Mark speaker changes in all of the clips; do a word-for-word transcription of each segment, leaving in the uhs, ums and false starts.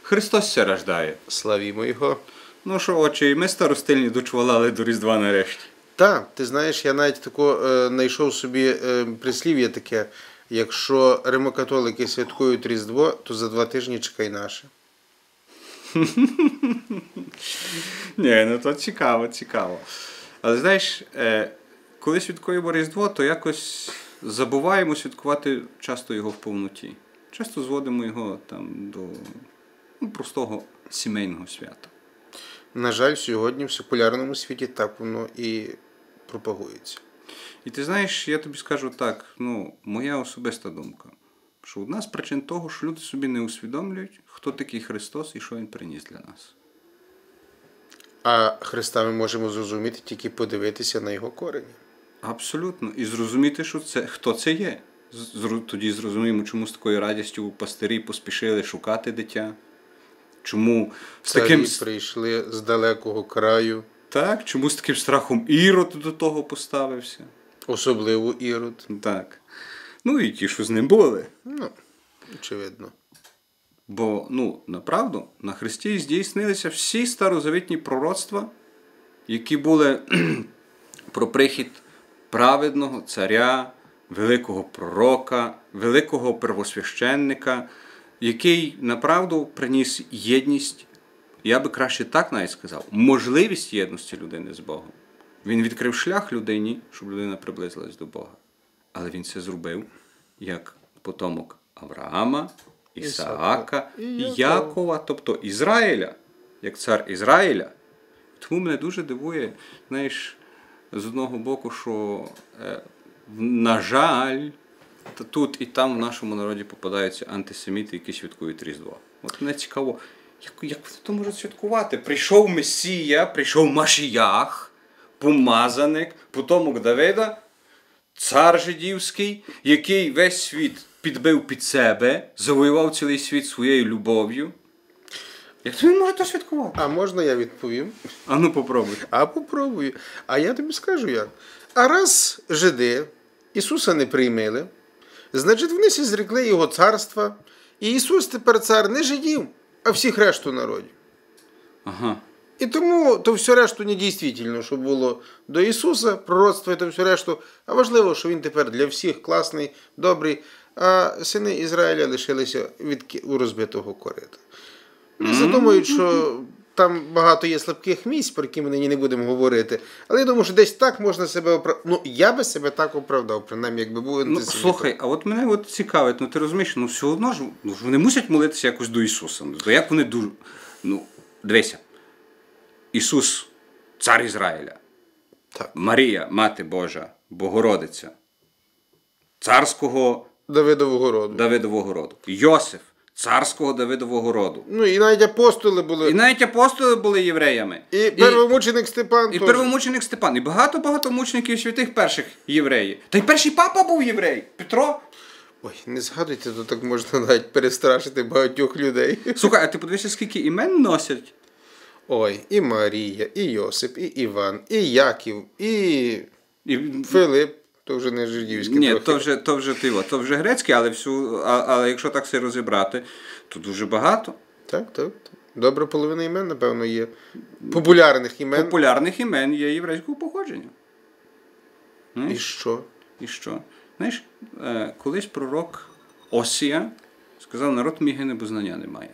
Speaker 1: Христос ся рождає.
Speaker 2: Славімо Його.
Speaker 1: Ну що, очі, ми старостильні дочвалали до Різдва нарешті.
Speaker 2: Так, ти знаєш, я навіть тако е, знайшов собі е, прислів'я таке, якщо римокатолики святкують Різдво, то за два тижні чекай наше.
Speaker 1: Ні, ну то цікаво, цікаво. Але знаєш, е, коли святкуємо Різдво, то якось забуваємо святкувати часто його в повноті. Часто зводимо його там до ну, простого сімейного свята.
Speaker 2: На жаль, сьогодні в секулярному світі так воно і пропагується.
Speaker 1: І ти знаєш, я тобі скажу так, ну, моя особиста думка, що одна з причин того, що люди собі не усвідомлюють, хто такий Христос і що Він приніс для нас.
Speaker 2: А Христа ми можемо зрозуміти тільки подивитися на його корені.
Speaker 1: Абсолютно. І зрозуміти, що це, хто це є. Зру- Тоді зрозуміємо, чому з такою радістю пастирі поспішили шукати дитя. Чому з
Speaker 2: Царі
Speaker 1: таким...
Speaker 2: прийшли з далекого краю,
Speaker 1: Так, чому з таким страхом Ірод до того поставився.
Speaker 2: особливо Ірод.
Speaker 1: Так. Ну і ті, що з ним були.
Speaker 2: Ну, очевидно.
Speaker 1: Бо, ну, направду, на Христі здійснилися всі старозавітні пророцтва, які були про прихід праведного царя, великого пророка, великого первосвященника, який, направду, приніс єдність, я би краще так навіть сказав, можливість єдності людини з Богом. Він відкрив шлях людині, щоб людина приблизилась до Бога. Але він це зробив як потомок Авраама, Ісаака і Якова, тобто Ізраїля, як цар Ізраїля. Тому мене дуже дивує, знаєш, з одного боку, що, е, на жаль, тут і там в нашому народі попадаються антисеміти, які святкують Різдво. От мене цікаво, як, як вони то можуть святкувати? Прийшов Месія, прийшов Машіях, помазаник, потомок Давида, цар жидівський, який весь світ підбив під себе, завоював цілий світ своєю любов'ю. Як то він може то святкувати?
Speaker 2: А можна я відповім?
Speaker 1: А ну попробуй.
Speaker 2: А попробую. А я тобі скажу як. А раз жиди Ісуса не приймили, значить вони всі зрекли Його царства, і Ісус тепер цар не жидів, а всіх решту народів.
Speaker 1: Ага.
Speaker 2: І тому то все решту не дійсно, що було до Ісуса, пророцтво і то все решту, а важливо, що Він тепер для всіх класний, добрий, а сини Ізраїля лишилися від у розбитого корита. Не задумують, що там багато є слабких місць, про які ми нині не будемо говорити, але я думаю, що десь так можна себе оправдати. Ну, я би себе так оправдав, принаймні, якби був
Speaker 1: Ну,
Speaker 2: антисемітом.
Speaker 1: слухай, а от мене от цікавить, ну ти розумієш, ну все одно ж, ну, ж вони мусять молитися якось до Ісуса. Ну, як вони дуже, ну, дивися, Ісус, цар Ізраїля,
Speaker 2: Так.
Speaker 1: Марія, Мати Божа, Богородиця, царського
Speaker 2: Давидового роду.
Speaker 1: Давидового роду, Йосиф, царського Давидового роду.
Speaker 2: Ну, і навіть апостоли були.
Speaker 1: І навіть апостоли були євреями.
Speaker 2: І первомученик Степан.
Speaker 1: І
Speaker 2: теж.
Speaker 1: первомученик Степан. І багато-багато мучеників святих перших євреїв. Та й перший папа був єврей, Петро.
Speaker 2: Ой, не згадуйте, то так можна навіть перестрашити багатьох людей.
Speaker 1: Слухай, а ти подивися, скільки імен носять?
Speaker 2: Ой, і Марія, і Йосип, і Іван, і Яків, і
Speaker 1: І...
Speaker 2: Филип, то вже не жидівський.
Speaker 1: Ні,
Speaker 2: трохи.
Speaker 1: то вже, то вже тиво, то вже грецьке, але, всю, а, але якщо так все розібрати, то дуже багато
Speaker 2: Так, так. так. Добра половина імен, напевно, є. Популярних імен.
Speaker 1: популярних імен є єврейського походження.
Speaker 2: І що?
Speaker 1: І що? Знаєш, е, колись пророк Осія сказав, народ мій гине, бо знання немає.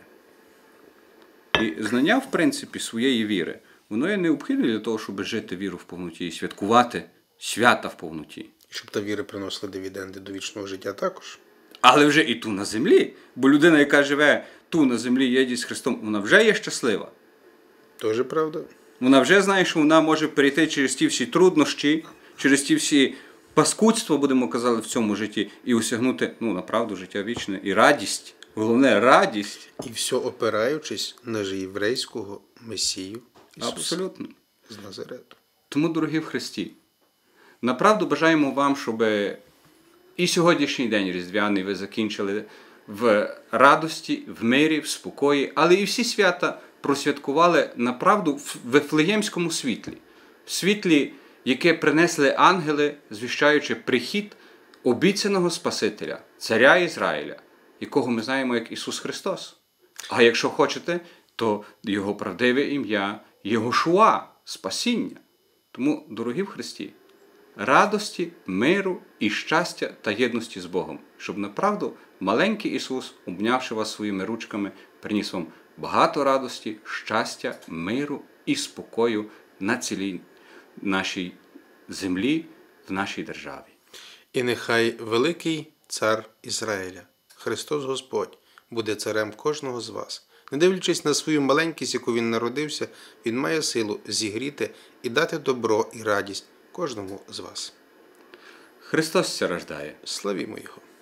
Speaker 1: І знання, в принципі, своєї віри, воно є необхідне для того, щоб жити віру в повноті і святкувати свята в повноті.
Speaker 2: Щоб та віра приносила дивіденди до вічного життя також.
Speaker 1: Але вже і ту на землі. Бо людина, яка живе ту на землі, єдність з Христом, вона вже є щаслива.
Speaker 2: Тоже правда.
Speaker 1: Вона вже знає, що вона може перейти через ті всі труднощі, через ті всі паскудства, будемо казати, в цьому житті, і осягнути, ну, направду, життя вічне, і радість. Головне, радість.
Speaker 2: І все опираючись на же єврейського Месію Ісуса.
Speaker 1: Абсолютно.
Speaker 2: З Назарету.
Speaker 1: Тому, дорогі в Христі, направду бажаємо вам, щоб і сьогоднішній день різдвяний ви закінчили в радості, в мирі, в спокої, але і всі свята просвяткували направду в Вифлеємському світлі. В світлі, яке принесли ангели, звіщаючи прихід обіцяного Спасителя, царя Ізраїля, якого ми знаємо як Ісус Христос. А якщо хочете, то його правдиве ім'я Єгошуа, спасіння. Тому, дорогі в Христі, радості, миру і щастя та єдності з Богом, щоб направду маленький Ісус, обнявши вас своїми ручками, приніс вам багато радості, щастя, миру і спокою на цілій нашій землі, в нашій державі.
Speaker 2: І нехай великий цар Ізраїля, Христос Господь, буде царем кожного з вас. Не дивлячись на свою маленькість, яку він народився, він має силу зігріти і дати добро і радість кожному з вас.
Speaker 1: Христос ся рождає.
Speaker 2: Славімо Його!